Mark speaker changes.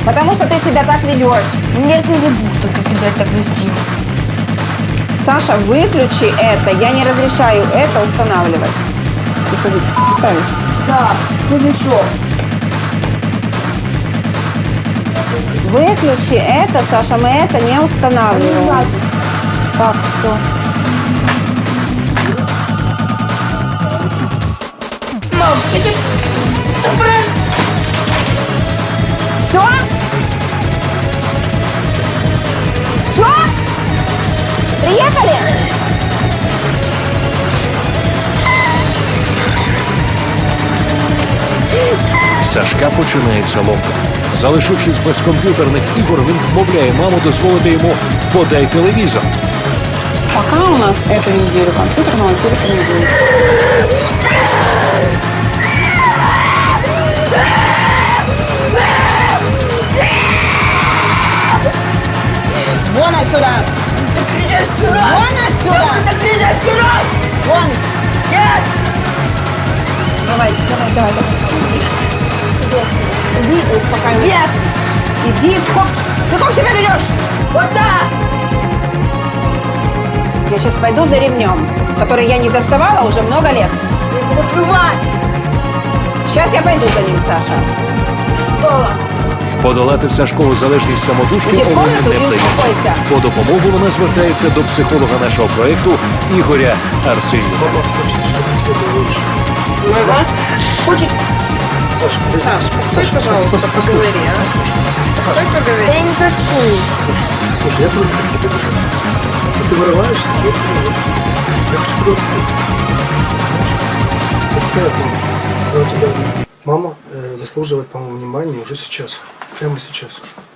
Speaker 1: Потому что ты себя так ведешь.
Speaker 2: Нет, не веду, только себя так вести.
Speaker 1: Саша, выключи это. Я не разрешаю это устанавливать. Ты что, ведь ставишь?
Speaker 2: Да, мужичок.
Speaker 1: Выключи это, Саша, мы это не устанавливаем. Так, все.
Speaker 2: Мам, я тебе...
Speaker 1: Все? Все? Приехали?
Speaker 3: В Сашка починається ломка. Залишившись без комп'ютерних ігор, він вмовляє маму дозволити йому «подай телевізор».
Speaker 1: Пока у нас эту неделю компьютерного телека не будет. Вон отсюда!
Speaker 2: Ты кричишь всю ночь!
Speaker 1: Вон отсюда!
Speaker 2: Ты кричишь всю ночь!
Speaker 1: Вон!
Speaker 2: Нет!
Speaker 1: Давай. Иди, успокаивайся.
Speaker 2: Нет!
Speaker 1: Иди, ты как себя ведешь?
Speaker 2: Вот так!
Speaker 1: Я сейчас пойду за ремнем, который я не доставала уже много лет.
Speaker 2: Я буду плевать!
Speaker 1: Сейчас я пойду за ним, Саша.
Speaker 2: Стола!
Speaker 3: Подолати Сашкову залежність самотужки
Speaker 1: Іди в
Speaker 3: Олені
Speaker 1: комнату
Speaker 3: не
Speaker 1: і
Speaker 3: вдається.
Speaker 1: успокойся.
Speaker 3: По допомогу вона звертається до психолога нашого проєкту Ігоря Арсеньєва.
Speaker 1: Хочет... Саш, постой, пожалуйста, поговори, а? Постой, поговори.
Speaker 2: Да я не хочу!
Speaker 4: Слушай, я тоже не хочу тебя держать. Но ты вырываешься, я хочу тебя расстать. Мама заслуживает, по-моему, внимания уже сейчас. Прямо сейчас.